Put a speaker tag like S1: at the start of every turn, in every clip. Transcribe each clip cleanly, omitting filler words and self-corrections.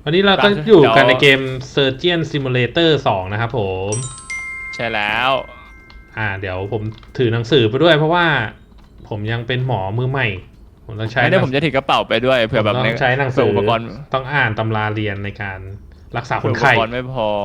S1: วันนี้เราก็อยู่กันในเกม Surgeon Simulator 2 นะครับผม
S2: ใช่แล้ว
S1: เดี๋ยวผมถือหนังสือไปด้วยเพราะว่าผมยังเป็นหมอมือใหม่ผมต้องใช้
S2: ไม่ได้ผมจะถือกระเป๋าไปด้วยเผื่อแบบ
S1: ต้องใช้หนังสือ
S2: อุปกรณ์
S1: ต้องอ่านตำราเรียนในการรักษาคนไข้
S2: อุปกรณ์ไม่พอ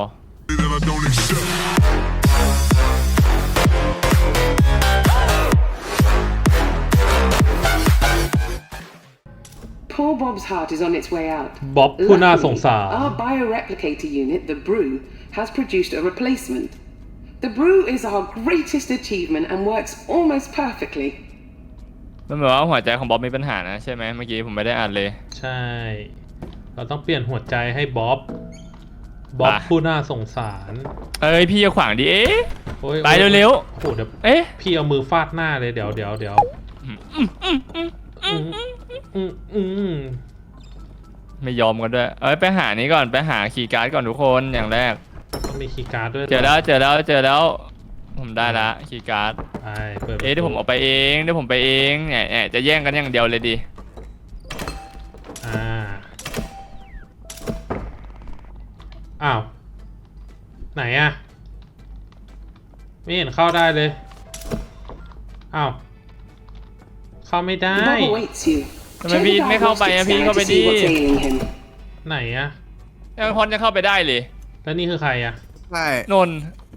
S3: Poor Bob's heart is on its way out.
S1: บ๊อบผู้น่าสงสาร
S3: Our bioreplicator unit, the Brew, has produced a replacement. The Brew is our greatest achievement and works almost perfectly.
S2: มันบอกว่าหัวใจของบ๊อบมีปัญหานะใช่ไหมเมื่อกี้ผมไม่ได้อ่านเลย
S1: ใช่เราต้องเปลี่ยนหัวใจให้บ๊อบผู้น่าสงสาร
S2: พี่จะขวางดิไปเร็วๆ
S1: โอ้เดี๋ยวพี่เอามือฟาดหน้าเลยเดี๋ยว
S2: ไม่ยอมกันด้วยไปหานี้ก่อนไปหาคีย์การ์ดก่อนทุกคนอย่างแรก
S1: ต้องมีคีย์การ์ดด้วย
S2: เจอแล้วผมได้ละคีย์การ์ด
S1: เปิด
S2: เดี๋ยวผมเอาไปเองเนี่ยจะแย่งกันอย่างเดียวเลยดิ
S1: อ้าวไหนอะไม่เห็นเข้าได้เลยอ้าวเข้าไม่ได้
S2: ทำไมพี่ไม่เข้าไปอะพี่เข้าไปดิ
S1: ไหนอะ
S2: ยังพอนจะเข้าไปได้เลย
S1: แล้วนี่คือใครอะ
S4: ใช่
S2: นน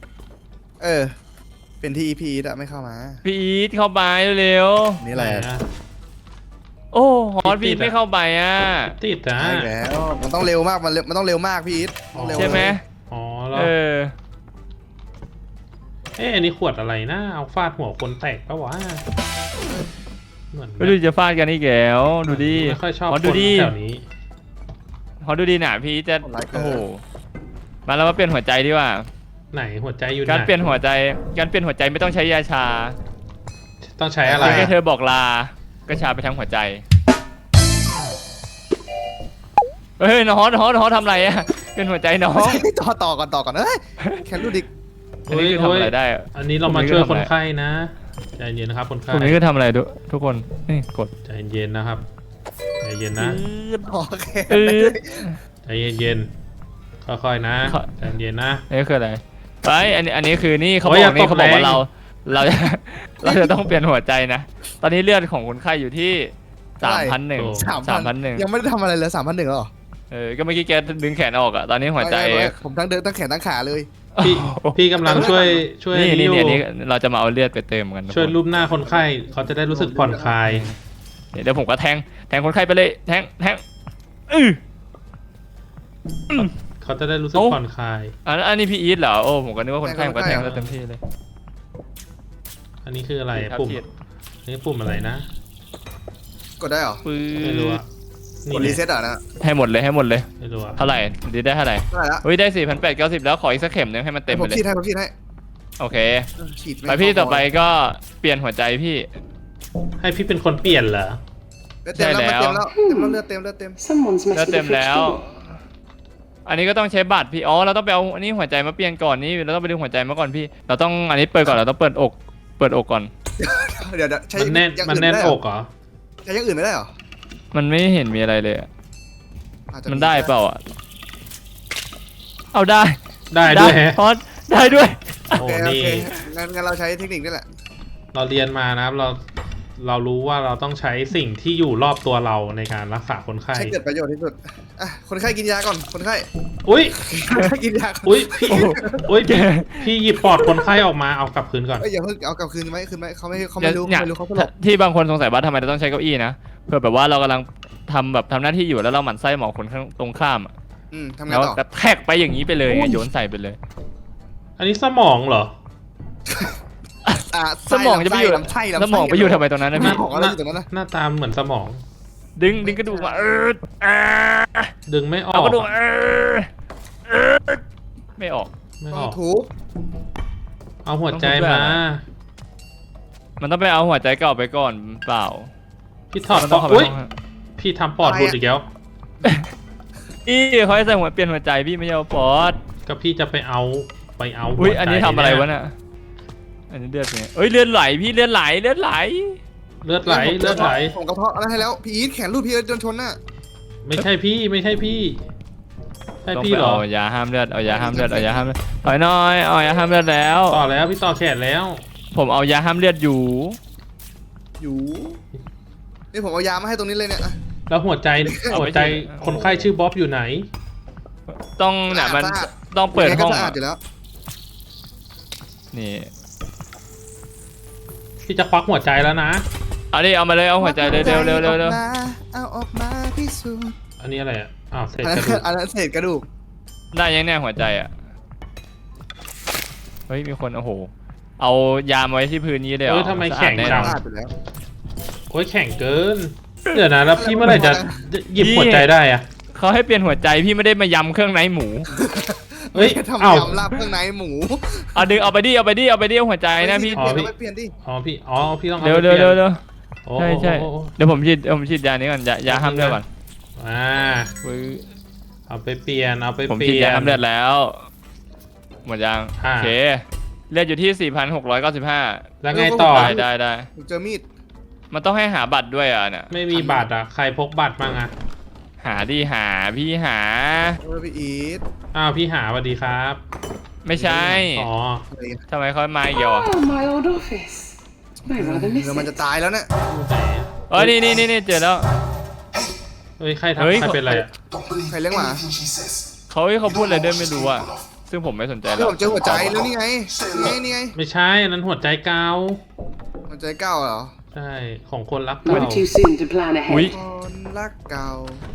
S4: เป็นที่ EP แต่ไม่เข้ามา
S2: พี่อีทเข้าไปเร็ว
S4: นี่แหละ
S2: โอ้ฮอตพี่ไม่เข้าไปอ่ะ
S1: ติดนะ
S4: แล้วมันต้องเร็วมากมันต้องเร็วมากพี่อีท
S2: ใช่ไหม
S1: แล้วอันนี้ขวดอะไรนะเอาฟาดหัวคนแตกปะวะ
S2: เหมือนไม่รู้จะฟาดกันนี่แกวดูดิ
S1: ไม่ค่อยชอบคนแถวนี้
S2: ฮอตดูดีหนาพี่จะโอ้โหมาเรามาเปลี่ยนหัวใจดีกว่า
S1: ไหนหัวใจอยู่
S2: การเปลี่ยนหัวใจไม่ต้องใช้ยาชา
S1: ต้องใช้อะไร
S2: แค่เธอบอกลาก็ชาไปทั้งหัวใจน้องทำอะไรอะเป็นหัวใจน้อง
S4: ต่อก่อนแค่รู้ดิ
S2: อันนี้คือทำอะไรได้
S1: อันนี้เรามาช่วยคนไข้นะใจเย็นนะครับคนไข้
S2: ตรงนี้คือทำอะไรทุกคนนี่กด
S1: ใจเย็นนะครับใจเย็นนะใจเย็นค่อยๆนะใจเย็นนะ
S2: นี่คืออะไรอันนี้คือนี่เขาบอกว่าเราจะต้องเปลี่ยนหัวใจนะตอนนี้เลือดของคนไข้อยู่ที่3,100
S4: ยังไม่ได้ทำอะไรเลย3,100หรอ
S2: ก็เมื่อกี้แกดึงแขนออกอะตอนนี้หัวใจ
S4: ผมทั้งเดินทั้งแขนทั้งขาเลย
S1: พี่กำลังช่วย
S2: นี่เราจะมาเอาเลือดไปเติมกัน
S1: ช่วยรูปหน้าคนไข้เขาจะได้รู้สึกผ่อนคลาย
S2: เดี๋ยวผมก็แทงคนไข้ไปเลยแทง
S1: เขาจะได้รู้สึกผ่อนคลาย
S2: อันนี้พี่อีทเหรอโอ้ผมก็นึกว่าคนไข้ก็แทงเต็มที่เลย
S1: อันนี้คืออะไรปุ่มนี่ปุ่มอะไรนะ
S4: กดได้หรอ
S1: ไม่รู้อะ
S4: กดรีเซ็ตอ่ะนะ
S2: ให้หมดเลย
S1: ไม่รู้
S2: เท่าไหร่ดีได้เท่าไหร่ได้ 4,890แล้วขออีกสักเข็มนึงให้มันเต็มไปเลย
S4: ผมฉีดให้
S2: โอเคไปพี่ต่อไปก็เปลี่ยนหัวใจพี่
S1: ให้พี่เป็นคนเปลี่ยนเหรอ
S2: ใช่แล้ว
S4: เลือดเต็ม
S2: แล้วอันนี้ก็ต้องใช้บัตรพี่เราต้องไปเอาอันนี้หัวใจมาเปลี่ยนก่อนนี่เราต้องไปดึงหัวใจมาก่อนพี่เราต้องอันนี้เปิดก่อนเราต้องเปิดอกก่อน
S4: เดี๋ยวใช้
S1: มันแน่นอกเหรอ
S4: ใช้อย่างอื่นไม่ได้หรอ
S2: มันไม่เห็นมีอะไรเลยมันได้เปล่าเอาได้
S1: ด้วย
S2: พอดได้ด้วย
S4: โอเคงั้นเราใช้เทคนิคนี่แหละ
S1: เราเรียนมานะครับเรารู้ว่าเราต้องใช้สิ่งที่อยู่รอบตัวเราในการรักษาคนไข้
S4: ใช้เกิดประโยชน์ที่สุดคนไข้กินยาก่อนคนไข้กินยา
S1: พี่หยิบปอดคนไข้ออกมาเอากลับคืนก่อน
S4: อย่าเพิ่งเอากลับคืนไหมคืนไหมเขาไม่รู้เขา
S2: ที่บางคนสงสัยว่าทำไมเราต้องใช้เก้าอี้นะเพื่อแบบว่าเรากำลังทำหน้าที่อยู่แล้วเราหมั่นไส้หมอคนตรงข้าม
S4: ทำไงต่อ
S2: แทกไปอย่างนี้ไปเลยโยนใส่ไปเลย
S1: อันนี้สมองเหรอ
S2: สมองจะไปอยู่สมองไปอยู่ทำไมตรงนั้นนะพี่
S1: หน้าตาเหมือนสมอง
S2: ดึงกระดูกมา
S1: ดึงไม่ออก
S2: เอากระดูกไม่ออก
S4: ถูก
S1: เอาหัวใจมา
S2: มันต้องไปเอาหัวใจเก่าไปก่อนเปล่า
S1: พี่ถอดปอดพี่ทำปอดหลุดอีกแล้ว
S2: เขาให้ใส่หัวเปลี่ยนหัวใจพี่ไม่เอาปอด
S1: ก็พี่จะไปเอา
S2: อันนี้ทำอะไรวะเนี่ยอันนี้เลือดเนี่ยเลือดไหลพี่เลือดไหล
S4: ผมกระเพาะอะไรให้แล้วพี่อีทแขนรูดพี่โดนชนน่ะ
S1: ไม่ใช่พี่ให้
S2: ต้อง
S1: พี่
S2: ไป
S1: เหรอ
S2: เอายาห้ามเลือดเอายาห้ามเลือดเอายาห้ามเลือดถอยหน่อยเอายาห้ามเลือดแล้ว
S1: ต่อแล้วพี่ต่อแขนแล้ว
S2: ผมเอายาห้ามเลือดอยู่
S4: อยู่นี่ผมเอายามาให้ตรงนี้เลยเนี่ยอ่ะ
S1: แล้วหัวใจ
S2: เอาไป
S1: หัวใจ
S2: สิ
S1: คนไข้ชื่อบ๊อบอยู่ไหน
S2: ต้องเนี่ยมัน
S4: สะอาด
S2: ต้องเปิด
S4: ยังไง
S2: ห้อง
S4: ก็สะอา
S2: อะ
S4: ดอยู่แล้ว
S2: นี่
S1: พี่จะควักหัวใจแล้วนะ
S2: เอาดิเอามาเลยเอาหัวใจเร็วเร็วเร็วเร็วเร็ว
S4: เอาออกมาพิสูจน์
S1: อันนี้อะไรอ่ะอ้าวเศษ
S4: อัน
S1: ก
S4: นั้
S1: ระดูก
S4: นอันนั้นเศษกระดูก
S2: ได้ยังเนี่ยหัวใจอ่ะเฮ้ยมีคนโอ้โหเอายามาไว้ที่พื้นนี้เลยเหร
S1: เอ
S2: อ
S1: อทำไม
S2: สะอาด
S1: แข็ง
S2: น่น
S1: จั
S2: อง น
S4: สะอาดอยู่แล้ว
S1: โอ้ยแข็งเกิน เดี๋ยวนะแล้วพี่เมื่อไหร่จะหยิบหัวใจได้อ่ะ
S2: เขาให้เปลี่ยนหัวใจพี่ไม่ได้มายำเครื่องในหมู
S1: เฮ้ย
S4: ทำ
S1: เอ้า
S4: ยำลาบเครื่องในหมู
S2: เอาดึงเอาไปดิเอาไปดิเอาไปดิเอาหัวใจนะพี่
S4: เปลี่ยนเอาไปเปลี่ยนดิ
S1: อ๋อพี่พี่ต้องเอา
S2: เร็ว
S1: ไป
S2: เร็ว
S1: ปลี่
S2: เร็
S1: ยน
S2: วเร็ว
S1: โอ้
S2: ใช่ใช่
S1: โอ้โอ้
S2: เดี๋ยวผมฉีดยานี้ก่อนยาห้ามเลือดก่อน
S1: อ่า
S2: ปึ๊บ
S1: เอาไปเปลี่ยนเอาไป
S2: ผม
S1: เป
S2: ฉีด
S1: ลี่ย
S2: ยาน ห้ามเลือดแล้วหมดยัง
S1: อ่า
S2: โอเคเลือดอยู่ที่ 4,695
S1: แล้วไงต่อ
S2: ได้
S4: ผมเจอมีด
S2: มันต้องให้หาบัตรด้วยอ่ะเนี่ย
S1: ไม่มีบัตรอ่ะใครพกบัตรบ้างอ่ะ
S2: หาดิหาพี่หา
S4: พี่อีท
S1: อ้าวพี่หาสวัสดีครับ
S2: ไม่ใช่
S1: อ๋อ
S4: อะไรอ่ะ
S2: ทำไมเขามาอีกอ่ะ
S3: Oh, my old office. I rather miss
S4: เดี๋ยวมัน
S3: it.
S4: จะตายแล้วเนี่ย
S1: อยู่ไหนอะ
S2: เออนี่เจอแล้ว
S1: เฮ้ยใคร
S2: เฮ้ย
S1: ทำใครเป็นอะไรอ่ะ
S4: ใครเลี้ยงหมา
S2: เขาพูดอะไรด้วยไม่รู้อ่ะซึ่งผมไม่สนใจแล้
S4: ที่
S2: ว
S4: ผมเจอหัวใจแล้วนี่ไงนี่ไง
S1: ไม่ใช่อันนั้นหัวใจเกา
S4: หัวใจเก่าเหรอ
S1: ใช่ของคนรักเก่า
S3: Never too soon to plan
S2: อุ้ย
S3: ahead.
S4: คนรักเก่า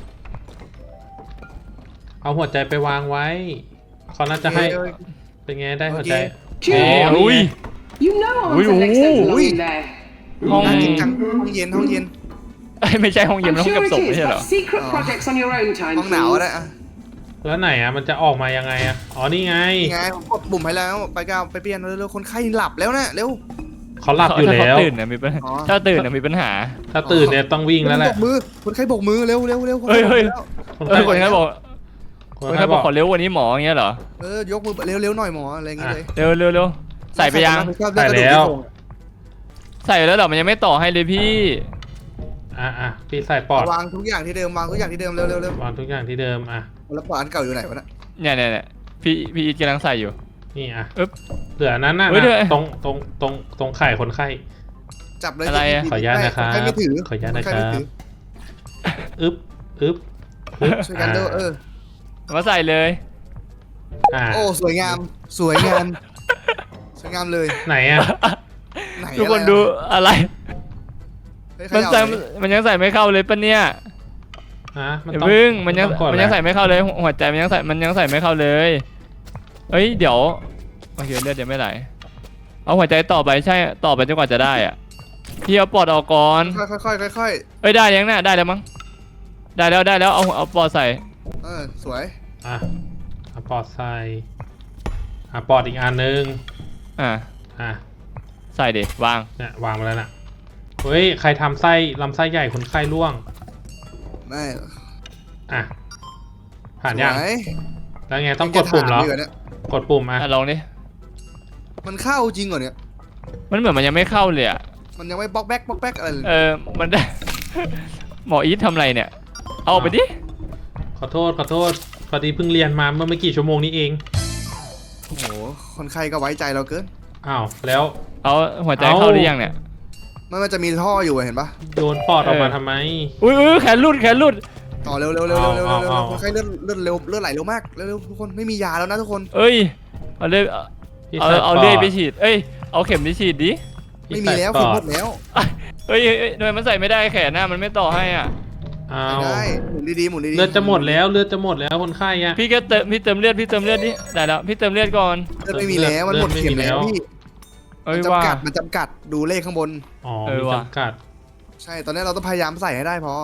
S1: เอาหัวใจไปวางไว้เขาน่าจะให้เป็นไงได้หัวใจ
S3: June,
S2: อุ้ย
S3: you know I
S2: Ui,
S3: want an extent
S2: ui.
S3: belonging there.
S2: ห้อง
S4: น่าจริงจังห้องเย็นห้องเย็น
S2: เอ้ยไม่ใช่ห้องเย็น
S3: I'm
S2: มันห้อง
S3: sure
S2: เก็บศพ
S3: it
S2: ไม่
S3: is,
S2: ใช่เหรอ
S3: but secret
S4: Oh.
S3: projects on your own time,
S4: ห้องหนาว
S3: please.
S4: อะไรอ่ะ
S1: แล้วไหนอ่ะมันจะออกมายังไงอ่ะอ๋อนี่ไง
S4: นี่ไงผมกดปุ่มให้แล้วไปก้าวไปเปลี่ยนเร็วๆคนไข้หลับแล้วนะเร็ว
S1: เขาหลับอยู่
S2: ถ้า
S1: แล้ว
S2: เขาตื่นเนี่ยมีปัญหา
S4: อ๋อ
S2: ถ้าตื่นเนี่ยมีปัญหา
S1: ถ้าตื่นเนี่ยต้องวิ่งแล้วแห
S4: บ
S1: ละ
S4: กมือคนไข้บกมือเร็วเร็วเร็วคน
S2: เฮ้
S4: ไข้
S2: ย
S4: บอกแล้ว
S2: คนไข้บอก
S1: ค
S2: คน น
S1: ไข้
S2: ไข้
S1: บบ อ
S2: อก กขอเร็วกวันนี้หมออย่างเงี้ยเหรอ
S4: ยกมือเร็วเร็วหน่อยหมออะไรอย่างเงี้ยเลย
S2: เร็วใส่ไปยัง
S1: ใส่แล้ว
S2: ใส่แล้วเหรอมันยังไม่ต่อให้เลยพี่
S1: อ่ะพี่ใส่ปอด
S4: วางทุกอย่างที่เดิมวางทุกอย่างที่เดิมเร็วเร็วเร็ว
S1: วางทุกอย่างที่เดิมอ่ะ
S4: แล้วปอดอันเก่าอยู่ไหนวะน่ะ
S2: เนี่ยพี่อีทกำลังใส่อยู่
S1: นี่อ่ะ
S2: อึ๊บ
S1: เหลือนั้นน่ะ
S2: เฮ้ยเดี๋ยว
S1: ตรงไข่คนไข้
S4: จับเลย
S2: อะไรอะ
S1: ขออนุญาตนะครับ
S4: ใครไม่ถือ
S1: ขออนุญาตนะ
S4: ใค
S1: ค
S4: ไม่
S1: รับ
S4: ถือ
S1: อึ๊บอึ๊บ
S4: ช่วยกันเด้อ
S2: มาใส่เลย
S1: อ่า
S4: โอ้สวยงามสวยงามสวยงามเลย
S1: ไหนอ่ะ
S4: ไหน
S2: ทุกคนดูอะไร
S4: เฮ้ย
S2: มัน
S4: เข
S2: ใส่
S4: ย่าเลย
S2: มันยังใส่ไม่เข้าเลยปะเนี่ย
S1: ฮะ
S2: อย่าพึ่งมันยัง
S1: ต้องกด
S2: มันยัง
S1: แหละ
S2: ใส่ไม่เข้าเลยหัวใจมันยังใส่ไม่เข้าเลยเอ้ยเดี๋ยวโอเคเลือดยังไม่ไหลเอาหัวใจต่อไปใช่ต่อไปจนกว่าจะได้อ่ะพี่เอาปอดออกก่อน
S4: ค่อยๆค่อย
S2: เอ้ยได้ยังน่ะได้แล้วมั้งได้แล้วเอาปอดใส่
S4: สวย
S1: อ่ะเอาปอดใส่อ่ะปอดอีกอันนึง
S2: อ่ะ
S1: อ่ะ
S2: ใส่ดิวาง
S1: เนี่ยวางไปแล้วน่ะเฮ้ยใครทำไส้ลำไส้ใหญ่คนไข้ร่วง
S4: ไม่
S1: อ่ะผ่านยัง
S4: สวย
S1: แล้วไงต้องกดปุ่มเหรอ
S4: ยังจะถายู่นี่ย
S1: กดปุ่มอ่ะ
S2: ลองดิ
S4: มันเข้าจริงเหรอเนี่ย
S2: มันเหมือนมันยังไม่เข้าเลยอ่ะ
S4: มันยังไม่บล็อกแบ็กอะไรเลย
S2: มันได้ หมออีททำอะไรเนี่ยเอาออกไปดิ
S1: ขอโทษพอดีเพิ่งเรียนมาเมื่อไม่กี่ชั่วโมงนี้เอง
S4: โอ้โหคนไข้ก็ไว้ใจเราเกิน
S1: อ้าวแล้ว
S2: เอาหัวใจเข้าหรือยังเนี่ย
S4: มันจะมีท่ออยู่อะเห็นปะ
S1: โยนปอดออกมาทำไม
S2: อุ้ยแขนรุด
S4: ต่อเร็วคนไข้เลือดเร็วเลือดไหลเร็วมากเร็วทุกคนไม่มียาแล้วนะทุกคน
S2: เอ้ยเอาเลื่อย
S1: พี่
S2: เอา
S1: ใส่
S2: เอา
S1: ป
S2: เลื่อย
S1: ด
S2: ไปฉีดเอ้ยเอาเข็มไปฉีดดิ
S1: พี่
S4: ไม่มีแล้ว
S1: ใส่
S4: ผม
S1: ป
S4: หม
S1: อ
S4: ดแล้ว
S2: เฮ้ยทำไมมันใส่ไม่ได้แขนหน้ามันไม่ต่อให้อ่ะ
S1: อ้า
S4: ไม่
S1: ว
S4: ได้หมุนดีๆหมุนดีๆ
S1: เลือดจะหมดแล้วคนไข้อะ
S2: พี่เติมเลือดดิได้แล้วพี่เติมเลือดก่อน
S4: เลือดไม่มีแล้วมันหมดเข็มแล้วพี่
S2: เอ้ย
S4: มัน
S2: ว่า
S4: จำกัดดูเลขข้างบน
S1: อ๋อ
S2: เออ
S1: มี
S2: ว่ะ
S1: จำกัด
S4: ใช่ตอนนี้เราต้องพยายามใส่ให้ได้พอ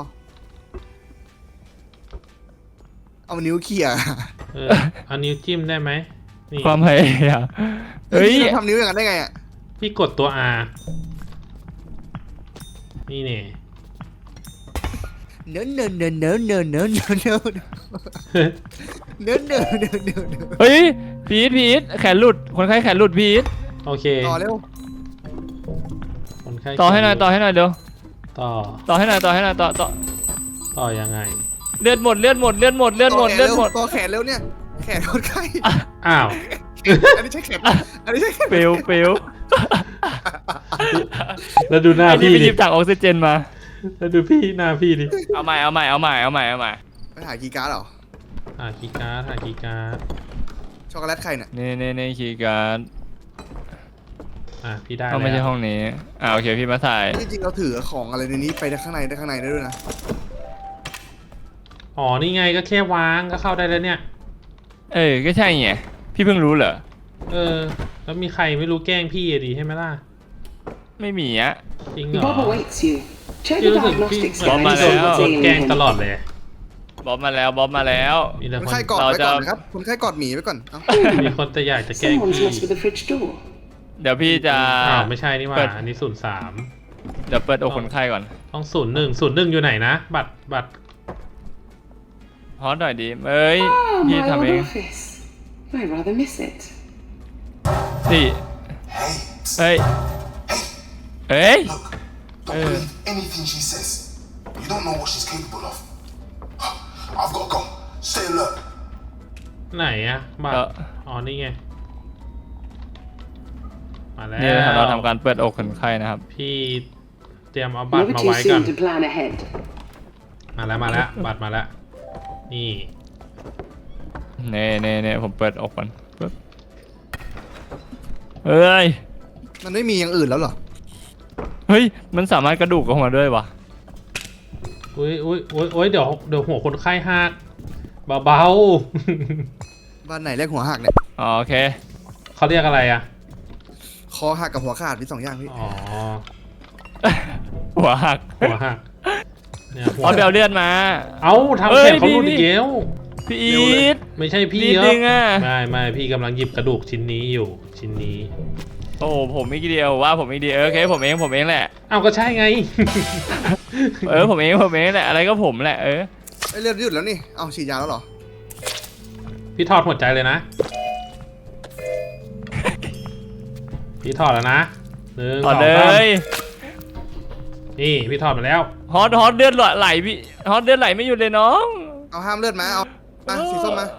S4: เอานิ้วเขี่ย
S1: เอานิ้วจิ้มได้ไหมนี่
S2: ความพยายามเฮ้ย
S4: พี่ทำนิ้วอย่างนั้นได้ไงอ่ะ
S1: พี่กดตัว R นี่เนี่ย
S4: เนื้อ
S2: เฮ้ยพีทแขนหลุดคนไข้แขนหลุดพีท
S1: โอเค
S4: ต่อเร็ว
S1: คนไข้
S2: ต่อให้หน่อยเร็ว
S1: ต่อ
S2: ต่อให้หน่อยต่อ
S1: ต่อยังไง
S2: เลือดหมดเลือดหมดเลือดหมดเลือดหมดเลือดหมด
S4: ตัวแขนเร็วเนี่ยแขนคนไข้
S1: อ้าว
S4: อันนี้ใช่แขนอันนี้ใช่แขน
S2: เปลวเปลว
S1: แล้วดูหน้า
S2: ไอ้นี่
S1: พี่
S2: ไปห
S1: ดิ
S2: ยิบถังออกซิเจนมา
S1: แล้วดูพี่หน้าพี่ดิ
S2: เอาใหม่เอาใหม่เอาใหม่เอาใหม่เอาใหม่
S4: ไปหาคีย์การ์ดเหรอ
S1: หาคีย์การ์ดหาคีย์การ์ด
S4: ช็อกโกแลตใครเนี่ย
S2: นี่คีย์การ์ด
S1: พี่ได้
S2: เอาไม่ใช่
S1: แล้ว
S2: ห้องนี้โอเคพี่มาใส่
S4: จริงๆเราถือของอะไรในนี้ไปข้างในได้ด้วยนะ
S1: อ๋อนี่ไงก็แค่วางก็เข้าได้แล้วเนี่ย
S2: ก็ใช่ไงพี่เพิ่งรู้เหรอ
S1: แล้วมีใครไม่รู้แกล้งพี่อะดีใช่ไหมล่ะ
S2: ไม่มีอะ
S1: จริงเหรอ
S3: Bob awaits you. Check
S1: พี่
S3: the
S1: รู้สึกพี่
S3: diagnostics
S2: บอมมา
S3: guide
S2: แล้ว
S1: โดนแกล้งตลอดเลย
S2: บ๊อบมาแล้วบ๊อบมาแล้ว
S1: มีแต่
S4: คน
S1: คน
S4: ไข้กอด
S2: เรา
S4: ไว้
S2: จะ
S4: ก่อนนะครับคนไข้กอดหมีไว้ก่อนเอ้า
S1: มีคนแต่อยากจะแกล้ง
S3: Someone's
S1: พี่
S3: messed with the fridge door.
S2: เดี๋ยวพี่จะ
S1: อ้าวไม่ใช่นี่หว่า
S2: เปิด
S1: อันนี้03
S2: เดี๋ยวเปิดอกคนไข้ก่อน
S1: ต้อง01อยู่ไหนนะ บัตร
S2: ฮอตหน่อยดิ
S3: Ah,
S2: พี่
S3: my
S2: ทำ
S3: old
S2: เอง
S3: office. I rather miss it.
S2: นี่เฮ้ย
S5: Look, don't believe anything she says. You don't know what she's capable of. I've got to go. Stay alert.
S1: ไหนอะบัตร
S2: เอ่อ
S1: อ๋อนี่ไงมาแล้ว
S2: นี่นะครับเราทำการเปิดอกคนไข้นะครับ
S1: พี่เตรียมเอาบัตร
S3: Never
S1: มา
S3: too
S1: ไว้ก่อน
S3: soon to plan ahead.
S1: มาแล้วบัตรมาแล้วนี่
S2: เน่ผมเปิดอกก่อนปึ๊บเฮ้ย
S4: มันไม่มีอย่างอื่นแล้วเหรอ
S2: เฮ้ยมันสามารถกระดูกออกมาด้วยวะ
S1: อุ้ยเดี๋ยวหัวคนไข้หักเบา
S4: บ้านไหนเรียกหัวหักเนี่ย
S2: โอเค
S1: ๆเขาเรียกอะไรอะ
S4: คอหักกับหัวขาดมี2อย่างพี่
S1: อ๋อ
S2: หัวหัก
S1: หัวหักเนี่ยหัว
S2: เอาไปเอาเลือดมา
S1: เอาทำ
S2: เอ้
S1: แข
S2: ย
S1: นเขาหลุด
S2: พี่
S1: อีกแล้ว
S2: พี่อีท
S1: ไม่ใช่พี่
S2: นิด
S1: เหร
S2: นึ
S1: อง
S2: อะ
S1: ไม่พี่กำลังหยิบกระดูกชิ้นนี้อยู่ชิ้นนี้
S2: โอ้ผมอีกเดียวว่าผมอีกเดียวโอเคผมเองแหละ
S1: เอาก็ใช่ไง
S2: ผมเองแหละอะไรก็ผมแหละ
S4: ไอ้เลือดหยุดแล้วนี่เอาฉีดยาแล้วเหรอ
S1: พี่ถอดหัวใจเลยนะ พี่ถอดแล้วนะ1
S2: ต่อ
S1: 2
S2: เล
S1: 3
S2: ย
S1: นี่พี่ถอดมาแล้ว
S2: ฮอตเลือดไหลพี่ฮอตเลือดไหลไม่หยุดเลยน้อง
S4: เอาห้ามเลือดมาเอามาสีส้มมา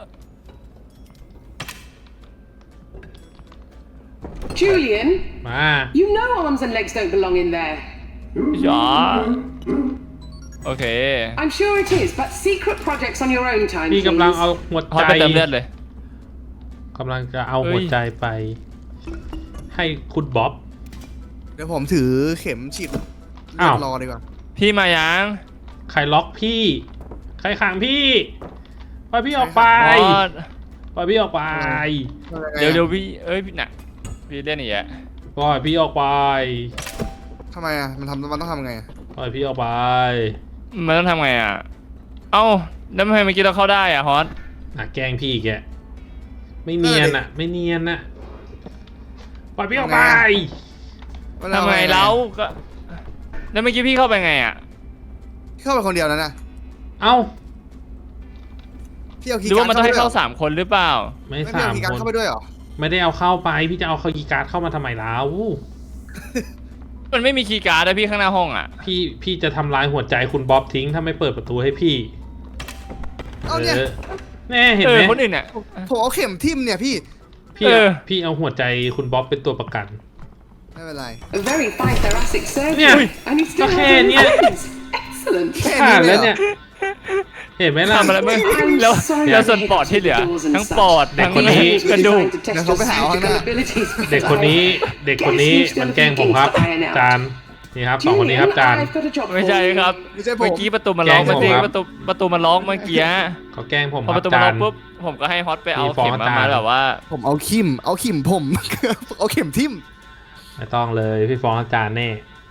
S3: Julian,
S1: มา
S3: you know arms and legs don't belong in there.
S2: จ๋าโอเค
S3: I'm sure it is, but secret projects on your own time,
S1: พี่
S3: please.
S1: กำลังเอาหัว
S2: ฮอต
S1: ใจ
S2: ไปเติมเลือดเลย
S1: กำลังจะเอา
S2: เฮ้ย
S1: หัวใจไป ให้คุณบ๊อบ
S4: เดี๋ยวผมถือเข็มฉีด
S1: อ้าว
S4: รอดีกว่า
S2: พี่มายัง
S1: ใครล็อกพี่ ใครขังพี่ปล่อยพี่ออกไป
S2: ฮอต
S1: ปล่อยพี่ออกไป
S2: เดี๋ยวพี่พี่น่ะพี่เล่นอีกอ่ะ
S1: ปล่อยพี่ออกไป
S4: ทำไมอ่ะมันต้องทำไงอะ
S1: ปล่อยพี่ออกไป
S2: มันต้องทำไงอ่ะเอ้าแล้วทำไมเมื่อกี้เราเข้าได้อ่ะฮอต
S1: แกล้งพี่อีกแกไม่เนียนอ่ะ ไม่เนียนอ่ะปล่อยพี่ออกไป
S4: ว่า
S2: ทำไงเราก็แล้วเมื่อกี้พี่เข้าไปไงอ่ะ
S4: พี่เข้าไปคนเดียวนะนะ
S1: เอ้า
S4: พี่เอาคี
S2: ห
S4: ย์
S2: รือ
S4: การ์
S2: ว่า
S4: ด
S2: มันต้องให้เข้า
S4: เข้า
S2: 3 คนหรือเปล่า
S1: ไม่
S4: ไปด้วยเหรอไม่พี่เอาคีย์การ์
S1: สามค
S4: ด
S1: น
S4: เข้าไปด้วยเหรอ
S1: ไม่ได้เอาเข้าไป พี่จะเอาคีย์การ์ดเข้ามาทำไมแล้ว
S2: มันไม่มีคีย์การ์ดนะพี่ข้างหน้าห้องอ่ะ
S1: พี่จะทำลายหัวใจคุณบ๊อบทิ้งถ้าไม่เปิดประตูให้พี่
S4: เอาเนี่ย
S1: แน่เห็นไหม
S2: คนอื่นเนี่ย
S4: ผมเอาเข็มทิ่มเนี่ยพี่
S1: พี่เอาหัวใจคุณบ๊อบเป็นตัวประกัน
S4: ไม่เป็นไร
S3: A very fine thoracic surgery.
S1: Yeah.
S3: And he still
S1: Okay,
S3: has
S1: yeah.
S3: eyes. Excellent.
S1: ผ่านแล้วเนี่ย เห็นไหมล่ะ
S2: ทำอะไรไม่
S3: I'm
S2: แล้ว
S3: sorry
S2: แล้ว
S3: I
S2: ส่วนปอดที่เหลือ
S3: doors and
S2: ทั้ง
S3: such.
S2: ปอด
S1: เด็ก
S2: ทั้ง
S1: คนนี้
S2: กระดูก
S3: Trying to test
S4: เดี๋ยวเขาไปหาเอาข้างหน้า
S3: your abilities, but
S1: เด็กคนนี้มันแกล้งผมครับ จานนี่ครับ2 คนนี้ครับจาน
S3: I've got a job
S2: ไม่ใช่
S3: for you.
S2: ครับ
S4: ไม่ใช่ผม
S2: เมื่อกี้ประตูมันล็อก
S1: แกล้
S2: เมื่
S1: ง
S2: อ
S1: ผม
S2: กี้
S1: ครับ
S2: ประตูมันล็อกเมื่อกี้
S1: เขาแกล้งผม
S2: พอ
S1: ค
S2: ป
S1: รับ
S2: ระตูมัน
S1: จา
S2: ล็อน กปุ๊บผมก็ให้ฮอตไปเอา
S1: มีฟอง
S2: เข็มมา
S1: อาจารย์
S2: มาแบบว่า
S4: ผมเอาขิมผม เอาเข็มทิ่ม
S1: ไม่ต้องเลยพี่ฟ้องอาจารย์แน่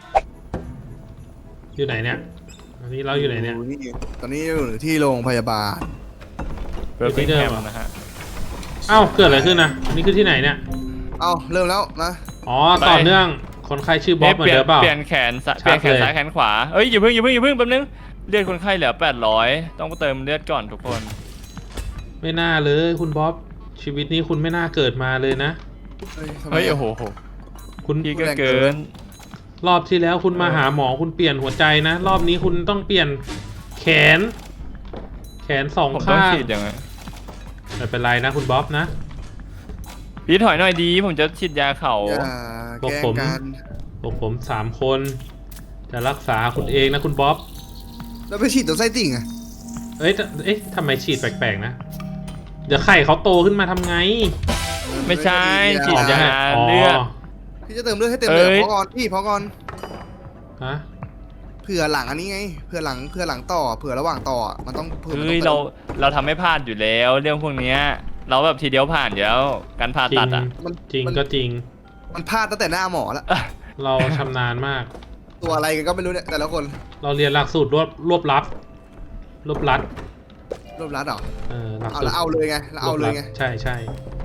S1: อยู่ไหนเนี่ยตอนนี้เราอยู่ไหนเนี่ย
S4: ตอนนี้อยู่ที่โรงพยาบาล
S2: เบอร์
S1: ที่
S2: ฟิง
S1: เดิ
S2: แฮ
S1: ม
S2: ม
S1: เหรอ
S2: นะฮะ
S1: เอ้าเกิดอะไรขึ้นนะนี่คือที่ไหนเนี่ย
S4: เอาเริ่มแล้วนะ
S1: อ๋อต่อเนื่องคนไข้ชื่อบ๊อบเหมือนเดิมเปล่า
S2: เปลี่ยนแขนซ้าย
S1: ชัด
S2: เปลี่ยนแขน
S1: เลย
S2: ซ้ายแขนขวาเอ้ยอย่าเพิ่งแป๊บนึงเลือดคนไข้เหลือ800ต้องเติมเลือดก่อนทุกคน
S1: ไม่น่าเลยคุณบ๊อบชีวิตนี้คุณไม่น่าเกิดมาเลยนะ
S4: ทำไม
S2: เฮ้ย
S4: อะ
S2: โอ้โห
S1: คุณ
S2: พี่ก็เกิน
S1: รอบที่แล้วคุณมาหาหมอคุณเปลี่ยนหัวใจนะ รอบนี้คุณต้องเปลี่ยนแขนแขนสอง
S2: ผมต้อง
S1: ข้าง
S2: ฉีดยังไง
S1: ไม่เป็นไรนะคุณบ๊อบนะ
S2: พี่ถอยหน่อยดีผมจะฉีดยาเข่า
S4: อย่าแกล้งกัน
S1: พวกผม3 คนจะรักษาคุณเองนะคุณบ๊อบ
S4: แล้วไปฉีดตัวไส้ติ่งอะ
S1: เอ๊ะทำไมฉีดแปลกๆนะ เดี๋ยวไข่เขาโตขึ้นมาทำไง
S2: ไม่ใช่ฉีดยา
S1: อ๋อ
S2: เลือด
S4: พี่จะเติมเลือดให้เต็มเลย
S2: เอ้ย
S4: พอก่อนพี่พอก่อน
S1: ฮะ
S4: เผื่อหลังอันนี้ไงเผื่อหลังต่อเผื่อระหว่างต่อมันต้องเผื่อมัน
S2: เฮ้ย
S4: ต้อง
S2: เราทำไม่พลาดอยู่แล้วเรื่องพวกเนี้ยเราแบบทีเดียวผ่านอยู่แล้วการผ่า
S1: จริ
S2: ตั
S1: ง
S2: ดอ่ะ
S1: จริงก็จริง
S4: มันพลาดตั้งแต่หน้าหมอแล้ว
S1: เราชำนาญมาก
S4: ตัวอะไรกันก็ไม่รู้เนี่ยแต่ละคน
S1: เราเรียนหลักสูตรรวบรัด
S4: รวบรัดเหรอ
S1: หลัก
S4: เอา
S1: สูต
S4: แล้ว
S1: ร
S4: เอาเลยไงแล้วเอาเลยไง
S1: ใช่ใช่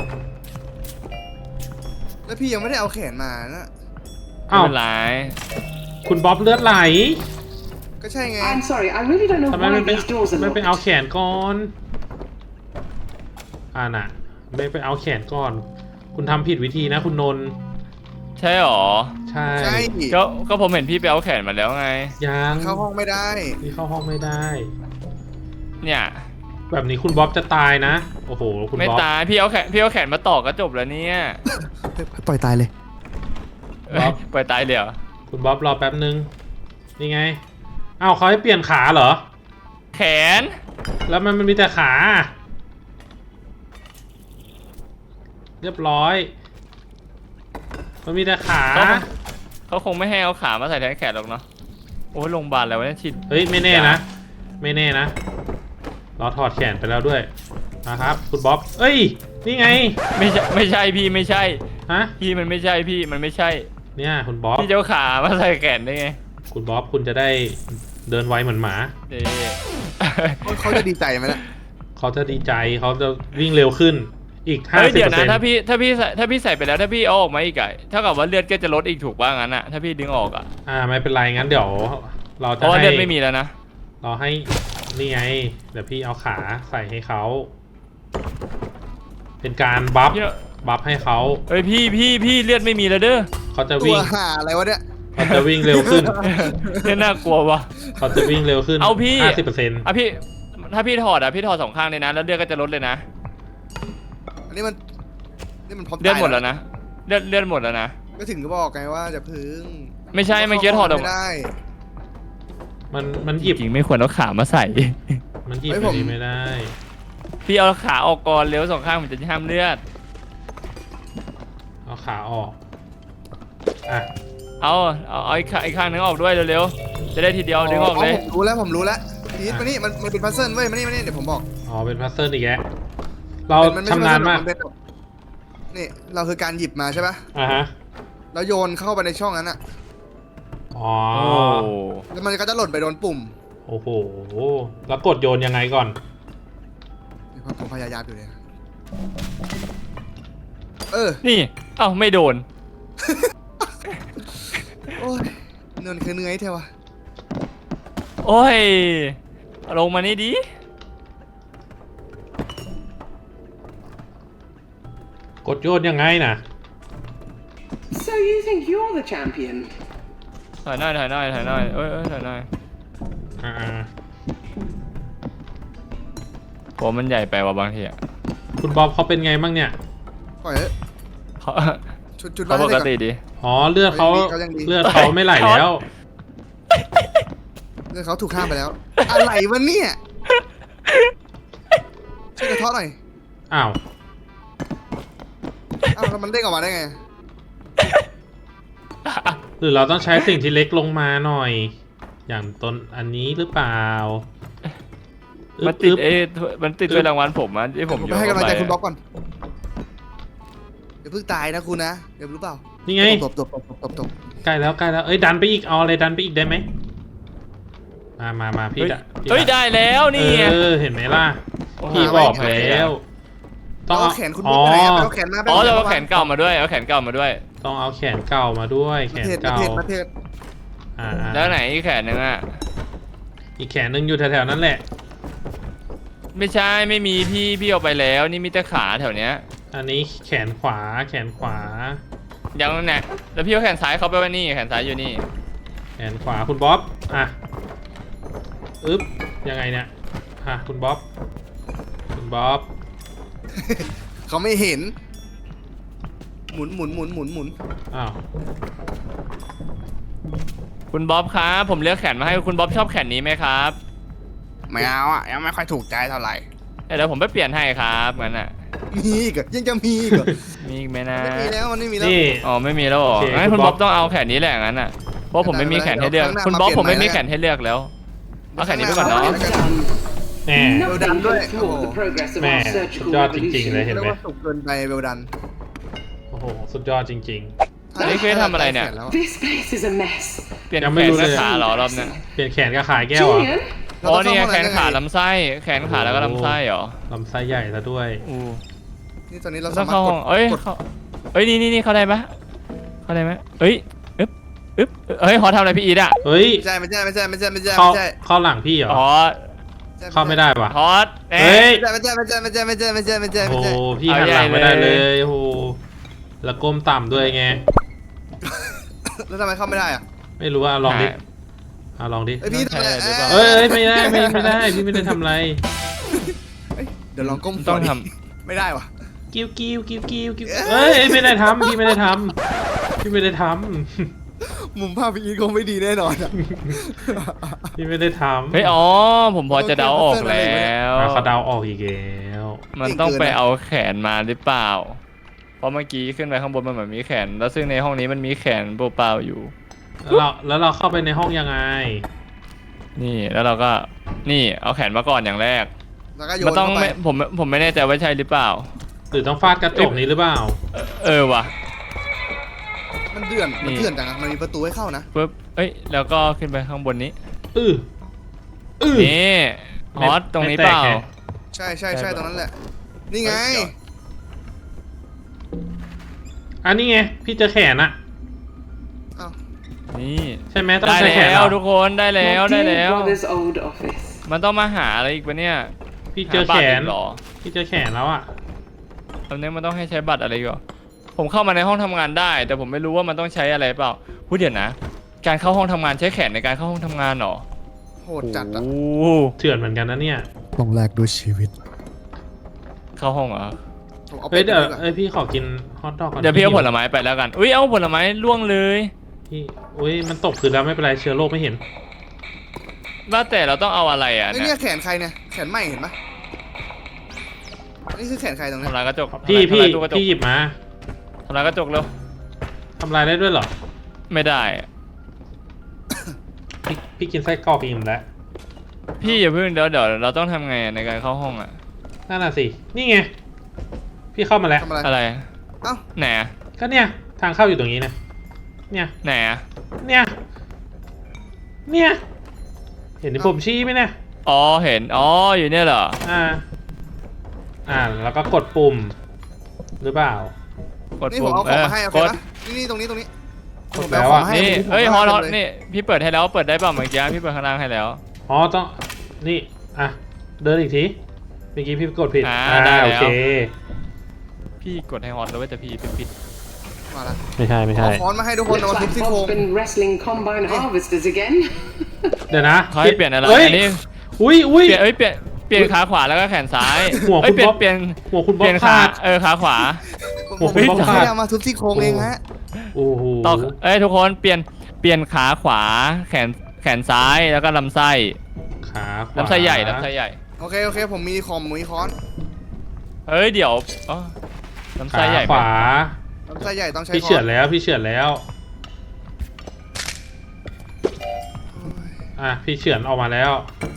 S4: แล้วพี่ยังไม่ได้เอาแขนมานะ
S2: ไม่
S1: อ้าว
S2: เป็นไร
S1: คุณบ๊อบเลือดไหล
S4: ก็ใช่ไง
S3: I'm sorry, I really don't know
S1: ทำไม
S3: why
S1: ไม่ไป
S3: these doors are
S1: ไม่ไป
S3: locked.
S1: เอาแขนก่อนน่ะไม่ไปเอาแขนก่อน คุณทำผิดวิธีนะคุณนนท์
S2: ใช่หรอ
S1: ใช่
S4: ใช่
S2: ก็ผมเห็นพี่ไปเอาแขนมาแล้วไง
S1: ยัง
S4: เข้าห้องไม่ได้
S1: นี่เข้าห้องไม่ได้
S2: เนี่ย
S1: แบบนี้คุณบ๊อบจะตายนะ โอ้โห คุณ
S2: ไม่
S1: บ๊อบ
S2: ตายพี่เอาแขนมาต่อก็จบแล้วเนี่ย
S4: ปล่อยตายเลย
S1: บ๊อบ
S2: ปล่อยตายเลยเหรอ
S1: คุณบ๊อบรอแป๊บนึง นี่ไง อ้าวเขาให้เปลี่ยนขาเหรอ
S2: แขน
S1: แล้วมันมีแต่ขา เรียบร้อย มันมีแต่ขา
S2: เขาคงไม่ให้เอาขามาใส่แทนแขนหรอกเนาะโอ้ยโรงพยาบาลอะไรวะเนี่ยฉีด
S1: เฮ้ยไม่แน่นะ ไม่แน่นะ เราถอดแขนไปแล้วด้วยนะครับคุณบ๊อบ เอ้ย นี่ไง
S2: ไม่ใช่พี่ไม่ใช่
S1: ฮะ
S2: พี่มันไม่ใช่พี่มันไม่ใช่
S1: เนี่ยคุณบ๊อบ
S2: พี่จะเอาขามาใส่แขนได้ไง
S1: คุณบ๊อบคุณจะได้เดินไวเหมือนหมา
S2: เด้
S4: เขาจะดีใจไหมล่ะ
S1: เขาจะดีใจเขาจะวิ่งเร็วขึ้น อีก
S2: เฮ้ยเดี๋ยวนะ
S1: 50%
S2: ถ้าพี่ใส่ไปแล้วถ้าพี่เอาออกมาอีกอะเท่ากับว่าเลือดก็จะลดอีกถูกป่ะงั้นอะถ้าพี่ดึงออกอะ
S1: ไม่เป็นไรงั้นเดี๋ยว เรา
S2: เพ
S1: จะ
S2: ราะว่า
S1: ให้
S2: เลือดไม่มีแล้วนะ
S1: เราให้นี่ไง เดี๋ยวพี่เอาขาใส่ให้เขา เป็นการบัฟ
S2: พี่
S1: บัฟให้เขา
S2: เฮ้ยพี่เลือดไม่มีแล้วเด้อ
S1: เขาจะ
S4: ตั
S1: วิ่
S4: ว
S1: ง
S4: ห่าอะไรวะเนี่ย
S1: เขาจะวิ่งเร็วขึ้น
S2: เนี่ยน่ากลัวว่ะ
S1: เขาจะวิ่งเร็วขึ้น
S2: เอาพี่
S1: 50%
S2: อ่ะพี่ถ้าพี่ถอดอะพี่ถอด2 ข้างเลยนะแล้วเลือดก็จะลดเลยนะ
S4: อันนี้มันพร้อม
S2: เลือด
S4: ตาย
S2: หมดแล้วนะเลือดหมดแล้วนะ
S4: ก็ถึงก็บอกไงว่าจะพึ่ง
S2: ไม่ใช่เมื่อกี้ถอดออก
S4: ไม่ได้
S1: มันหยิบ
S2: จริงๆไม่ควรเอาขามาใส่
S1: มันหยิบ
S4: เฮ้ย
S1: ไป
S4: ผม
S1: ดีไม่ได้
S2: พี่เอาขาออกก่อนเร็ว2 ข้างมันจะห้ามเลือด
S1: เอาขาออก อ่ะ
S2: เอาอีกข้างนึงออกด้วยเร็วๆจะได้ทีเดียวดึงออกเลย
S4: ผมรู้แล้วพีทมานี่มันเป็นพัซเซิลเว้ยมานี่เดี๋ยวผมบอก
S1: อ๋อ เป็นพัซเซิลอีกแล้วเรา
S4: มันไม่
S1: ชำนาญมาก
S4: นเป็นแบบนี่เราคือการหยิบมาใช่ปะ
S1: อ่ะฮะ
S4: แล้วโยนเข้าไปในช่องนั้นอะ
S1: อ๋อ
S2: โอ้
S4: แล้วมันก็จะหล่นไปโดนปุ่ม
S1: โอ้โห แล้วกดโยนยังไงก่อน
S4: เดี๋ยวผมพยายามอยู่เนี่ย
S2: นี่เอ้าไม่โดน
S4: โอ้ยเนินคือเหนื่อยเท่วะ
S2: โอ้ยลงมานี่ดิ
S1: กดโยนยังไงนะ
S3: So you think you're the champion?
S2: ถ่ายหน่อยเอ้ยถ่ายหน่อย
S1: อ่า
S2: ผมมันใหญ่ไปว่ะบางทีอะ
S1: คุณบ๊อบเขาเป็นไงบ้างเนี่ย
S4: ปล่อยเถอะ
S2: เขา
S4: ชุด
S2: เขาปกติ
S4: ดิ
S2: ดี
S1: อ๋อ เลือดเขา
S4: เขายังดี
S1: เลือดเขาไม่ไหลแล้ว
S4: เรื่องเขาถูกข้ามไปแล้ว อะไรวะเนี่ยช่วยกระเทาะหน่อย
S1: อ้าว
S4: อ้าวแล้วมันเด้งออกมาได้ไง
S1: หรือเราต้องใช้สิ่งที่เล็กลงมาหน่อย อย่างต้นอันนี้หรือเปล่า
S2: มันติด
S1: อึ๊บ
S2: มันติดด้วยรางวัลผมอะที่ผม
S4: ผม
S2: โย
S4: ไป
S2: น
S4: ให้กำลังใจคุณบ๊
S2: เข้า
S4: อบก่อนเดี๋ยวเพิ่งตายนะคุณนะเดี๋ยวรู้เปล่า
S1: นี่ไง
S4: ตบ
S1: ใกล้แล้วเอ้ยดันไปอีก เอาอะไรดันไปอีกได้ไหมมาพี่
S2: เฮ้ย
S1: จะพี่
S2: เฮ้ย
S1: จะ
S2: ได้แล้วนี่ไง
S1: เห็นไหมล่ะ
S2: โอ้โห
S1: พี่บอกแล้ว ต้อง
S4: เอาแขนคุณบ๊อบไปไหนอะไปเอาแขนมา
S2: อ๋อเราเอาแขนเก่ามาด้วยเอาแขนเก่ามาด้วย
S1: ต้องเอาแขนเก่ามาด้วย แขนเก่า
S4: ประเทศ
S2: แล้วไหนอีกแขนนึงอะ
S1: อีกแขนหนึงอยู่แถวๆนั้นแหละ
S2: ไม่ใช่ไม่มีพี่เอาไปแล้วนี่มีแต่ขาแถวเนี้ย
S1: อันนี้แขนขวา
S2: ยังเนี่ยแล้วพี่เอาแขนซ้ายเขาไปไว้นี่แขนซ้ายอยู่นี่
S1: แขนขวาคุณบ๊อบ อ่ะ อึ๊บ ยังไงเนี่ยคุณบ๊อบคุณบ๊อบ
S4: เขาไม่เห็น หมุนหมุนหมุนหมุนหมุน
S1: อ้าว
S2: คุณบ๊อบครับผมเลือกแขนมาให้คุณบ๊อบชอบแขนนี้ไหมครับ
S4: ไม่เอาอ่ะยังไม่ค่อยถูกใจเท่าไหร่
S2: เดี๋ยวผมไปเปลี่ยนให้ครับงั้นอ่ะ
S4: มีอีกเหรอยังจะมีอีกเหรอ
S2: มีอีกไหมนะ
S4: ไม่มีแล้วมันไม่มีแล้ว
S1: นี่
S2: อ๋อไม่มีแล้วเหรอ
S1: โอเค
S2: งั้น
S1: คุ
S2: คุณ ณ
S1: บ๊
S2: บ๊
S1: อ
S2: อบ บต้องเอาแขนนี้แหละงั้นอ่ะเพราะผมไม่มีแขนให้เลือก
S4: เดี๋ยว
S2: คุณบ๊อบ
S4: ข้างหน้า
S2: ผมไม่มี
S4: มาเปลี่ยน
S2: แขนให้เลือกแล้วเอาแขนนี้ไปก่อนเนาะ
S3: Well done.
S1: แหม
S3: Nothing
S4: done.
S3: can thwart the progress of
S1: Man,
S3: our surgical
S1: good job จริงๆเลย
S3: revolution.
S1: เห็น
S4: เรีย
S1: ไห
S4: ก
S1: ม
S4: ว่าสุกเกินไปเวลดัน
S1: โอ้โห สุดยอดจริง
S2: อันนี้คือทำอะไรเนี่ย
S3: This place is a mess.
S2: เปลี่ยน
S1: ยัง
S2: แข
S1: ไม่
S2: น
S1: รู้เล
S2: กับ
S1: ย
S2: ขาเหรอรอบเนี้ย
S1: ๆ เปลี่ยนแขนกับขาแก้วเหรอ่ะ
S3: Julian,
S2: อ๋อนี่ไงแขนขาลำไส้แขนขาแล้วก็ลำไส้เหรอ
S1: ลำไส้ใหญ่ซะด้วย
S2: อู้
S4: นี่ตอนนี้เรา
S2: ต้
S4: สา
S2: อง
S4: มารถ
S2: เข้าก ห้
S4: ด
S2: องเอ้ย
S4: กด
S2: เอ้ยนี่เข้าได้ปะเข้าได้ไหมเอ้ยอึ๊บเฮ้ยฮอทำอะไรพี่อีทอ่ะ
S1: เฮ้ย
S4: ไม่ใช่ไม่ใช่ไม่ใช่ไม่ใช่ไม่ใช่
S1: เข้า
S4: ไม่ใช่
S1: เข้าหลังพี่เหรอ
S2: อ๋อ
S1: เข้าไม่ได้ว่ะ
S2: ฮอต
S1: เฮ้ย
S4: ไม่ใช่ไม่ใช่ไม่ใช่ไม่ใช่ไม่ใช่ไม่ใช่ไม่ใช่
S1: โอ้
S4: ไม่
S1: โห
S4: ใช่
S1: พี่หันหลังไม่ได้เลยโอ้โหแล้วก้มต่ำด้วยไง
S4: แล้วทำไมเข้าไม่ได้อ่ะ
S1: ไม่รู้ว่าลองดิลองดิ
S4: เอ้ยพี่ทำอะไร
S2: ใช่หรือเปล่า
S1: เอ้ยไม่ได้ไม่ได้พี่ไม่ได้ทำอะไร
S4: เอ้ยเดี๋ยวลองก้ม
S2: ต้องท
S4: ไม่ได้ว่ะ
S1: กิ้วเอ้ยไม่ได้ทำพี่ไม่ได้ทำพี่ไม่ได้ท
S4: มุมภาพพี่อีทคงไม่ดีแน่นอนอ่ะ
S1: ำพี่ไม่ได้ทำ
S2: เฮ้ยอ๋อผมพอจะเดาออกแล้ว
S1: เขาเดาออกอีกแล้ว
S2: มันต้องไปเอาแขนมาหรือเปล่า เพราะเมื่อกี้ขึ้นไปข้างบนมันเหมือนมีแขน แล้วซึ่งในห้องนี้มันมีแขนเปล่าๆอยู่
S1: แล้วเราเข้าไปในห้องยังไง
S2: นี่แล้วเราก็นี่เอาแขนมาก่อนอย่างแรก
S4: แล้วก็โย
S2: มัน
S4: น
S2: ต้อง
S4: เข้าไป
S2: ไม่ผมไม่แน่ใจว่าใช่หรือเปล่า
S1: หรือต้องฟาดกระจกนี้หรือเปล่า
S2: เออว่ะ
S4: มันเดือน
S2: นี่
S4: มันเถื่อนจังอะมันมีประตูให้เข้านะ
S2: ปึ๊บเอ้ยแล้วก็ขึ้นไปข้างบนนี้
S1: อื้อ
S2: นี่ฮอตตรงนี้เปล่า
S1: ไม่แตกไง
S4: ใช่ใช่ใช่ตรงนั้นแหละ นี่ไง
S2: เฮ้ยเดี๋ยว
S1: อันนี้ไงพี่เจอแขนอะ
S4: อ้าว
S2: นี่
S1: ใช่ไหมต้อง
S2: ได้
S1: ใช้แขน
S2: แล้
S1: เหร
S2: ว
S1: อ
S2: ทุกคนได้แล้ว
S3: my
S2: ได้
S3: dear
S2: แล้ว
S3: brother's old office.
S2: มันต้องมาหาอะไรอีกปะเนี่ย
S1: พี่เจอ
S2: หาบั
S1: แข
S2: ตร
S1: น
S2: อีกเหรอ
S1: พี่เจอแขนแล้วอะ
S2: ตอนนี้มันต้องให้ใช้บัตรอะไรอีก่อนผมเข้ามาในห้องทำงานได้ แต่ผมไม่รู้ว่ามันต้องใช้อะไรเปล่าพูดเดี๋ยวนะ การเข้าห้องทำงานใช้แขนในการเข้าห้องทำงานเหรอ
S4: โหดจัดอ่ะ
S2: โอ้
S1: เถื่อนเหมือนกันนะเนี่ย
S4: ต้องแลกด้วยชีวิต
S2: เข้าห้องเหรอ
S4: ผมเอา
S1: เฮ้ย
S4: ไป
S1: เดี๋ยว
S4: ดีกว่า
S1: พี่ขอกินฮอทดอกก่อน
S2: เดี๋ยวพี่เอาผลไม้ไปแล้วกันอุ้ยเอาผลไม้ล่วงเลย
S1: พี่อุ้ยมันตกพื้นแล้วไม่เป็นไรเชื้อโรคไม่เห็น
S2: ว่าแต่เราต้องเอาอะไรอ่ะ
S4: ไอ้ย
S2: เนี่
S4: เนี่ย ยแขนใครเนี่ย แขนไหมเห็นปะนี่คือแขนใครตรงเนี้ย
S2: ทำลายกระจก
S1: พี่
S2: ทำลายตู้กระจก
S1: พี่หยิบมา
S2: ทำลายกระจกเร็ว
S1: ทำลายได้ด้วยเหรอ
S2: ไม่ได้อะ
S1: พี่กินไส้กรอกอิ่มแล้ว
S2: พี่อย่าเพิ่งเดี๋ยวเราต้องทำไงอะในการเข้าห้องอ่ะ
S1: นั่นน่ะสินี่ไงพี่เข้ามาแล้ว
S4: ทำอะไร
S2: อะไร
S4: เอ้า
S2: ไหนอะ
S1: ก็เนี่ยทางเข้าอยู่ตรงนี้นะเนี่ย
S2: ไหนอะ
S1: เนี่ยเห็นที่ผมชี้ไหมเนี่ย
S2: อ๋อเห็นอ๋ออยู่เนี่ยเหรอ
S1: แล้วก็กดปุ่มหรือเปล่า
S2: กด
S4: นี่ผ
S2: ปุ่
S4: ม
S2: ม
S4: เอาของมาให้โอเค
S2: กด
S4: ปะนี่ตรงนี้ตรงนี้
S1: กด
S4: ผม
S1: แล้ว
S4: เอาขอ
S1: อะ
S4: งมาให้
S2: นี่
S4: ผม
S2: เฮ้ย
S4: ให้
S2: ฮอต
S4: เต็
S2: ฮ
S4: ม
S2: อต
S4: เลย
S2: นี่พี่เปิดให้แล้วเปิดได้เปล่าเมื่อกี้พี่เปิดข้างล่างให้แล้ว
S1: อ๋อต้องนี่เดินอีกทีเมื่อกี้พี่กดผิด
S2: ได้แล้ว
S1: โอเค
S2: พี่กดให้ฮอตแล้วเว้ยแต่พี่ปิด
S4: มาละ
S1: ไม่ใช่
S4: เอาค้อนมาให้ทุกคนเอา
S3: Looks
S4: มาทุบ
S3: like
S4: ซี่โครง
S3: Bob's been wrestling combine harvesters again.
S1: เดี๋ยวนะ
S2: เขาให้เปลี่ยนอะไร
S1: ฮ้
S2: อันนี้
S1: อุ้ย
S2: เปลี่ยนเปลี่ยนขาขวาแล้วก็แขนซ้าย
S1: หัว
S2: เอ้ย
S1: คุณบ๊อบ
S2: เปลี่ยน
S1: หัวคุณ
S2: เป
S1: บ๊อ
S2: ลี่
S1: บ
S2: ยน
S1: ขา
S2: ขา
S1: ด
S2: ขาขวา
S1: โอ้โห
S4: ผม
S1: ผม
S4: ไม่
S1: ขาด
S4: ได้เอามาทุบซี่โครงเองฮะ
S1: โอ้โห
S2: ต่อทุกคนเปลี่ยนขาขวาแขนซ้ายแล้วก็ลำไส้
S1: ขาขวา
S2: ลำไส้ใหญ่ลำไส้ใหญ่
S4: โอเคโอเคผมมีคอมมีค้อน
S2: เอ้ยเดี๋ยวอ๋อลำไส้
S1: ขา
S2: ใหญ่ไหม
S1: ขวา
S4: ลำไส้ใหญ่ต้องใช้
S1: พี่
S4: ค้
S1: เฉื
S4: อ
S1: อน นแล้วพี่เฉือนแล้วพี่เฉือนออกมาแล้ว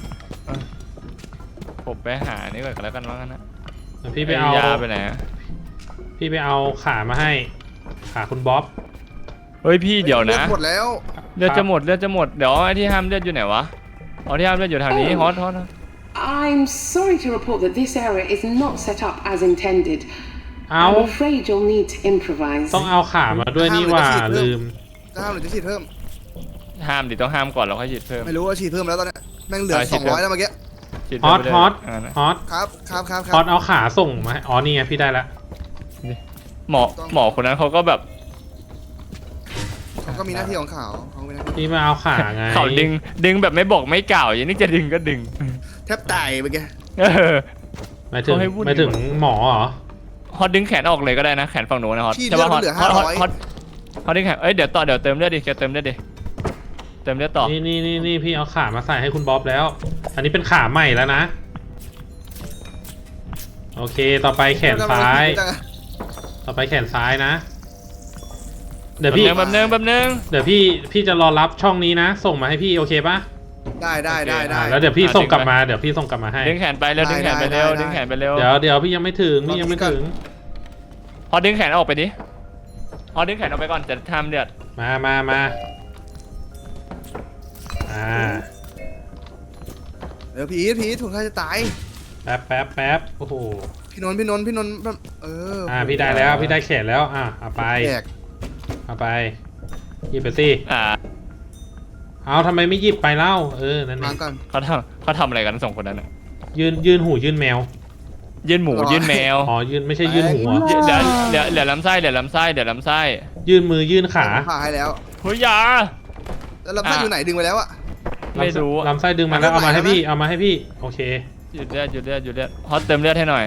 S2: ผมไปหานี่ก่อนแล้วกันว่างั้นนะ
S1: เดี๋ยวพี่ไปเอา
S2: ยาไปไหนอะ
S1: พี่ไปเอาขามาให้ขาคุณบ๊อบ
S2: เฮ้ยพี่เดี๋ยวนะ
S4: หมดแล้ว
S2: เลือดจะหมดเดี๋ยวไอ้ที่ห้ามเลือดอยู่ไหนวะอ๋อที่ห้ามเลือดอยู่ทางนี้ฮอต
S3: I'm sorry to report that this area is not set up as intended.
S1: เอา
S3: I'm afraid you'll need to improvise.
S1: ต้องเอาขามาด้วยนี่หว่าลืม
S4: จะห้ามหรือจะฉีดเพิ่ม
S2: ห้ามดิต้องห้ามก่อนแล้วค่อยฉีดเพิ่ม
S4: ไม่รู้ว่าฉีดเพิ่มแล้วตอนเนี้ยแม่งเหลือ
S2: ฉีดเพิ่ม
S4: 200แล้วเมื่อกี้
S2: ฉีด
S1: ฮ
S2: เพิ่
S1: อ
S2: ม
S1: ต
S2: ไปเลย
S1: ฮอต
S2: อ่านะ
S1: ฮอต
S4: ครับครับครับค
S1: ฮอ
S4: รั
S1: ต
S4: บ
S1: เอาขาส่งมาให้อ๋อนี่ไงพี่ได้ละ
S2: หมอคนนั้นเขาก็แบบ
S4: ขก็มีหน้าที่ของเขาเป็นหน้าที่
S1: พี่มาเอาขาไง
S2: เขาดึงแบบไม่บอกไม่กล่าวอย่างนี้จะดึงก็ดึง
S4: แทบตายเมื่อกี้
S2: เออ
S1: หมายถึง
S2: เขาให้วุ่น
S1: หมายถึงหมอเหรอ
S2: ฮอตดึงแขนออกเลยก็ได้นะแขนฝั่งโน้นนะฮอต
S4: พี่
S2: ใช่
S4: เลือ
S2: ป่ะ
S4: ด
S2: ฮอต
S4: เหลือ
S2: ฮอตฮอตดึงแขนเอ้ยเดี๋ยวเติมเลือดดิแกเติมเลือดดิเติมเลือดต่อ
S1: นี่พี่เอาขามาใส่ให้คุณบ๊อบแล้ว อันนี้เป็นขาใหม่แล้วนะ โอเคต่อไปแขนซ้าย ต่อไปแขนซ้ายนะ เดี๋ยวพี่
S2: แบบนึง
S1: เดี๋ยวพี่จะรอรับช่องนี้นะ ส่งมาให้พี่โอเคปะ
S4: ได้
S1: แล้วเดี๋ยวพี่ส่งกลับมาเดี๋ยวพี่ส่งกลับมาให้
S2: ดึงแขนไปแล้วดึงแขนไปเร็วดึงแขนไปเร็ว
S1: เดี๋ยวพี่ยังไม่ถึงพี่ยังไม่ถึง
S2: ฮอตดึงแขนออกไปดิฮอตดึงแขนออกไปก่อนจะทำเดือด
S1: มา
S4: เดี๋ยวพีทคนไข้จะตาย
S1: แป๊บโอ้โห
S4: พี่นนท์แบบ
S1: พี่ได้แล้วพี่ได้แขนแล้วเอาไป
S4: แตก
S1: เอาไปหยิบไปสิ เอาทำไมไม่หยิบไปเล่านั่น
S4: มา
S1: เอง
S4: ก่อน
S2: เขาทำอะไรกันสองคนนั้น
S1: ยื่นหูยื่นแมว
S2: ยื่นหมูยื่นแมว
S1: อ๋อยื่นไม่ใช่ยื่นหัว
S2: เดี๋ยวลำไส้เดี๋ยวลำไส้
S1: ยื่นมือยื่นขา
S4: ผ่าให้แล้ว
S2: เฮ้ยยา
S4: แล้วลำไส้อยู่ไหนดึงไปแล้วอะ
S2: ไม่รู้
S1: ลำไส้ดึงมาแล้วเอามาให้พี่โอเค
S2: หยุดเลือดฮอตเติมเลือดให้หน่อย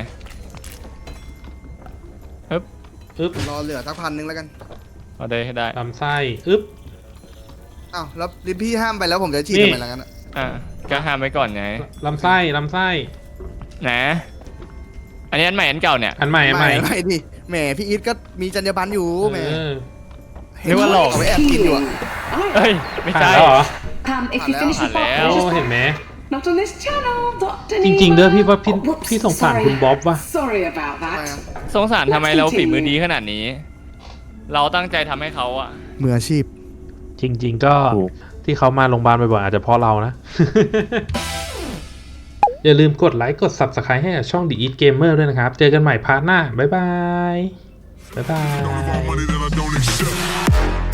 S1: อึ๊บ
S4: รอเหลือสัก1,000แล้วกัน
S2: เอาได้ให้ได้
S1: ลำไส้อึ๊บ
S4: อ้าวแล้วลิพี่ห้ามไปแล้วผมจะฉีด
S1: นี่
S4: ทำไมล่ะกันอะ
S2: ก็ห้ามไว้ก่อนไง
S1: ลำไส้
S2: นะอันนี้อันใหม่อันเก่าเนี่ย
S1: อันใหม่
S4: ไม่ดิแหมพี่อีทก็มีจรรยาบรรณอยู่แหม
S2: นึกว่าหลอก
S4: เอาไว้แอบกินอยู่อะ
S2: เฮ้ยไม่
S1: ผ่าน
S2: ใช่
S1: แล้วเหรอ
S3: If you finish the
S2: Hello.
S3: pot,
S1: โอ้
S3: just
S1: เห็นไหม
S3: not on this channel, Dr.
S1: จริงๆเด้อพี่ว่า
S3: Oh, whoops,
S1: พี่สงสาร
S3: sorry.
S1: คุณบ๊อบว่ะ
S3: Sorry about
S4: ทำไม
S3: that.
S4: อะ
S2: สงสารทำไมเราฝีมือดีขนาดนี้ เราตั้งใจทำให้เขาอะ
S4: มืออาชีพ
S1: จริงๆก็ที่เขามาโรงพยาบาลบ่อยๆอาจจะเพราะเรานะ อย่าลืมกดไลค์กด Subscribe ให้กับช่อง The Eat Gamer ด้วยนะครับ เจอกันใหม่พาร์ทหน้า บ๊ายบาย
S5: Don't give all money that I don't accept.